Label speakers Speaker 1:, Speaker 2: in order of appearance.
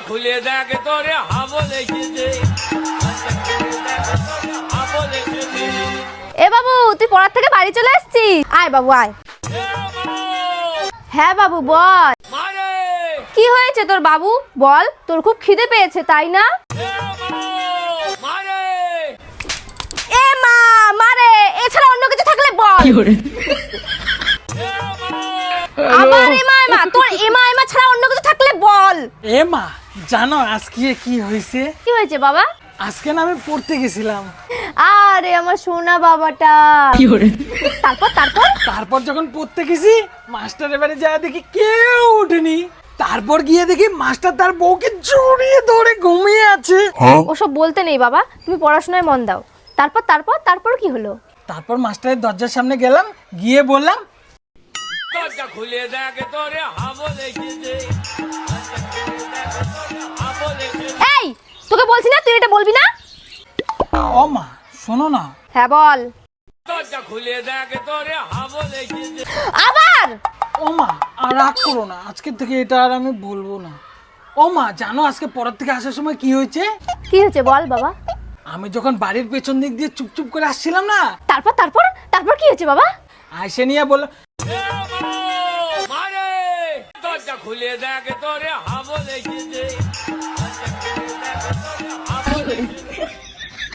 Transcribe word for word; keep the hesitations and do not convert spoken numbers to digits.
Speaker 1: খুলে দেখ তোরে হাবো লেগেছে।
Speaker 2: এ বাবু, তুই পড়ার থেকে বাড়ি চলে আসছিস? আয় বাবু আয়। হ্যাঁ বাবু বল। কি হয়েছে তোর বাবু? বল, তোর খুব খিদে পেয়েছে তাই না? এ মা মারে, এছাড়া অন্য কিছু থাকলে বল। আবার এমা এমা, তোর এমা এমা ছাড়া অন্য কিছু থাকলে বল।
Speaker 3: এ মা, জানো আজকে কি হয়েছে?
Speaker 2: কি হয়েছে বাবা?
Speaker 3: আজকে না আমি পড়তে গেছিলাম।
Speaker 2: আরে আমার সোনা বাবাটা। তারপর তারপর
Speaker 3: তারপর যখন পড়তে গেছি, মাস্টার এবারে যায় দেখি কেউ ওঠেনি। তারপর গিয়ে দেখি মাস্টার তার বউকে জড়িয়ে ধরে ঘুমিয়ে আছে।
Speaker 2: ওসব বলতে নেই বাবা, তুমি পড়াশোনায় মন দাও। তারপর তারপর তারপর কি হলো?
Speaker 3: তারপর মাস্টারের দরজার সামনে গেলাম, গিয়ে বললাম,
Speaker 1: দরজা খুলে দেখ তোরে হাবো লেগেছে।
Speaker 2: এই, তোকে বলছি না তুই এটা বলবি না?
Speaker 3: ও মা শোনো না।
Speaker 2: হ্যাঁ বল।
Speaker 1: দরজা খুলে দেখ তোরে হাবো লেগেছে।
Speaker 2: আবার
Speaker 3: ও মা আর রাগ করো না, আজকের থেকে এটা আর আমি বলবো না। ও মা জানো আজকে পড়ার থেকে আসার সময় কি হয়েছে?
Speaker 2: কি হয়েছে বল বাবা।
Speaker 3: আমি যখন বাড়ির পেছন দিক দিয়ে চুপচুপ করে আসছিলাম না,
Speaker 2: তারপর তারপর তারপর কি হয়েছে বাবা?
Speaker 3: আইসে নিয়ে বলল,
Speaker 1: মারে দরজা খুলে দেখ তোরে হাবো লেগেছে।